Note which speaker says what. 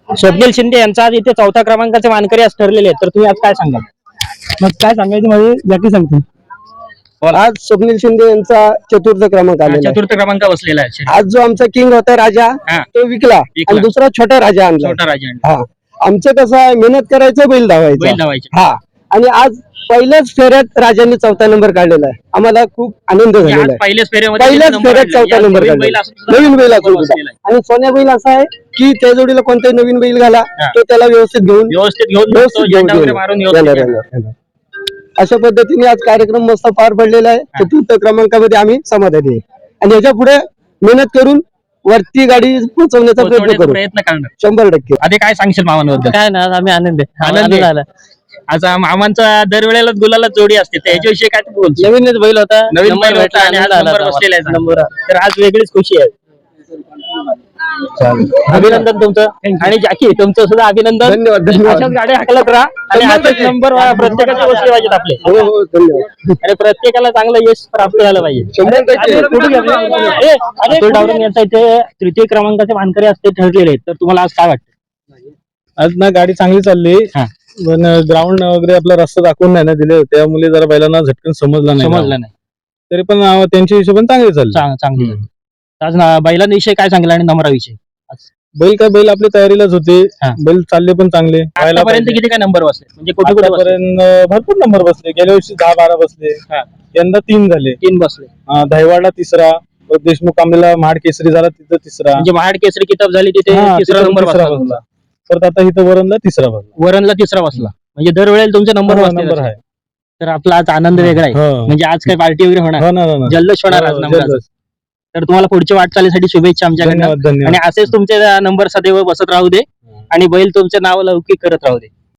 Speaker 1: स्वप्नील शिंदे यांचा आज इथे 4था क्रमांकाचे मानकरी आज ठरलेले आहेत, तर तुम्ही आज काय सांगाल?
Speaker 2: मग काय सांगायचं म्हणजे जॅकी सांगते.
Speaker 3: आज स्वप्नील शिंदे यांचा 4th क्रमांक आलेला आहे.
Speaker 1: 4th क्रमांक बसलेला आहे.
Speaker 3: आज जो आमचा किंग होता राजा
Speaker 1: हा.
Speaker 3: तो विकला आणि दुसरा छोटा राजा आणला.
Speaker 1: छोटा राजा
Speaker 3: हा, आमचं कसं आहे, मेहनत करायचं, बैल धावायचा.
Speaker 1: धावायचे.
Speaker 3: हा, आणि आज पहिल्याच फेऱ्यात राजांनी 4था नंबर काढलेला आहे. आम्हाला खूप आनंद झालेला आहे.
Speaker 1: पहिल्याच
Speaker 3: पहिल्याच फेऱ्यात 4था नंबर काढलेला, नवीन बैल असून सुद्धा. आणि सोन्या बैल असा आहे की त्या जोडीला कोणताही नवीन बैल घाला तो त्याला व्यवस्थित घेऊन येणार. अशा पद्धतीने आज कार्यक्रम मस्त पार पडलेला आहे. 4th क्रमांकामध्ये आम्ही समाधानी आहे आणि याच्या पुढे मेहनत करून वरती गाडी पोहोचवण्याचा प्रयत्न करू, 100%.
Speaker 1: आधी काय सांगशील मामांबद्दल?
Speaker 2: काय ना, आम्ही आनंद झाला.
Speaker 1: आज मामांचा दरवेळेला गुलाला जोडी असते, त्याच्याविषयी काय तू बोल?
Speaker 2: नवीनच बैल होता,
Speaker 1: नवीन बैल होता आणि आज नंबर बसलेला आहे.
Speaker 2: नंबर.
Speaker 1: तर आज वेगळीच खुशी आहे. अभिनंदन तुमचं. आणि जॅकी तुमचं सुद्धा अभिनंदन.
Speaker 3: धन्यवाद, धन्यवाद.
Speaker 1: अशाच गाड्या हाकलत राहा आणि असेच नंबर प्रत्येकाचे बसले पाहिजेत आपले.
Speaker 3: हो हो, धन्यवाद.
Speaker 1: आणि प्रत्येकाला चांगलं यश प्राप्त झालं पाहिजे.
Speaker 3: 100%.
Speaker 1: अतुल डावरे यांचा इथे 3य क्रमांकाचे मानकरी असते ठरलेले आहेत, तर तुम्हाला आज काय वाटतं?
Speaker 4: आज ना गाडी चांगली चालली,
Speaker 1: हा.
Speaker 4: पण ग्राउंड वगैरे आपला रस्ता दाखवून नाही ना दिले, त्यामुळे जरा बैलांना झटकन समजलं नाही. तरी पण त्यांच्या हिशोबाने चांगली चालली.
Speaker 1: चांगली. आज बैलांविषयी काय सांगितलं आणि नंबराविषयी?
Speaker 4: बैल आपली तयारीलाच होते.
Speaker 1: हा.
Speaker 4: बैल चालले पण चांगले.
Speaker 1: आतापर्यंत किती काय नंबर बसले, म्हणजे कुठे कुठे बसले?
Speaker 4: आतापर्यंत भरपूर नंबर बसले. गेल्या वर्षी 10-12 बसले. यंदा 3 झाले.
Speaker 1: 3 बसले.
Speaker 4: दहिवाडला 3रा, देशमुख कांबलेला महाड केसरी झाला, तिथं 3रा.
Speaker 1: म्हणजे महाड केसरी किताब झाली तिथे 3रा नंबर बसला.
Speaker 4: परत आता इथं वरणला 3रा बसला.
Speaker 1: वरणला 3रा बसला. म्हणजे दरवेळेला तुमचे नंबर
Speaker 4: नंबर आहे.
Speaker 1: तर आपला आज आनंद वेगळा आहे. म्हणजे आज काय पार्टी वगैरे होणार, जल्लोष होणार आज नंबराचा. तर तुम्हाला पुढच्या वाटचालीसाठी शुभेच्छा आमच्याकडनं. आणि असेच तुमचे नंबर सदैव बसत राहू दे आणि बैल तुमचे नाव लौकिक करत राहू दे.